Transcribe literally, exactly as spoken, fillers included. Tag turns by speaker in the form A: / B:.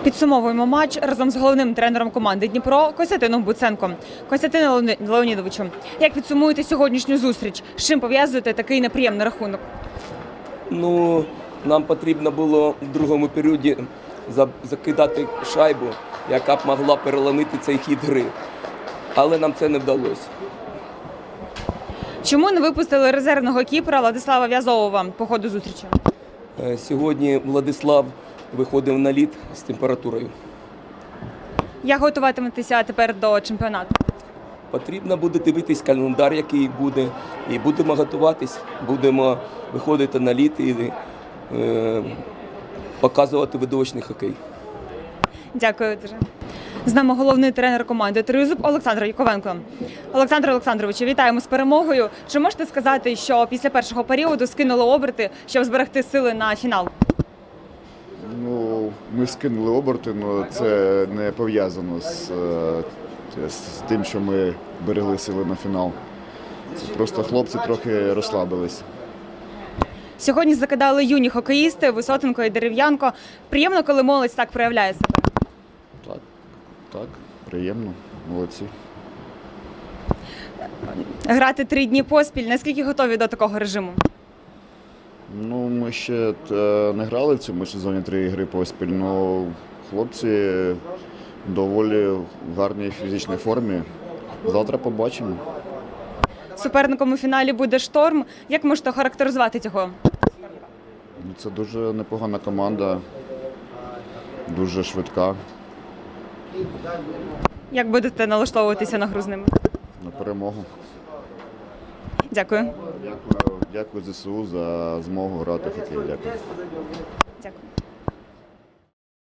A: Підсумовуємо матч разом з головним тренером команди Дніпро Костянтином Буценком. Костянтине Леоні- Леонідовичу, як підсумуєте сьогоднішню зустріч? З чим пов'язуєте такий неприємний рахунок?
B: Ну, нам потрібно було в другому періоді за- закидати шайбу, яка б могла переломити цей хід гри. Але нам це не вдалося.
A: Чому не випустили резервного кіпера Владислава В'язового по ходу зустрічі?
B: Е, Сьогодні Владислав виходив на лід з температурою.
A: Як готуватиметеся тепер до чемпіонату?
B: Потрібно буде дивитись календар, який буде, і будемо готуватись, будемо виходити на лід і е, показувати видовищний хокей.
A: Дякую дуже. З нами головний тренер команди «Тризуб» Олександр Яковенко. Олександр Олександровичу, вітаємо з перемогою. Чи можете сказати, що після першого періоду скинули оберти, щоб зберегти сили на фінал?
C: Ну, ми скинули оберти, але це не пов'язано з, е, з тим, що ми берегли сили на фінал. Це просто хлопці трохи розслабились.
A: Сьогодні закидали юні хокеїсти Висотенко і Дерев'янко. Приємно, коли молодь так проявляє себе.
C: Так, так, приємно, молодці.
A: Грати три дні поспіль. Наскільки готові до такого режиму?
C: Ну, ми ще е, не грали в цьому сезоні три ігри поспіль, але хлопці доволі в гарній фізичній формі. Завтра побачимо.
A: Суперником у фіналі буде «Шторм». Як можете характеризувати цього?
C: Ну, це дуже непогана команда, дуже швидка.
A: Як будете налаштовуватися на гру з ними?
C: На перемогу.
A: Дякую.
C: Дякую, дякую ЗСУ за змогу грати в хокей. Дякую.
A: Дякую.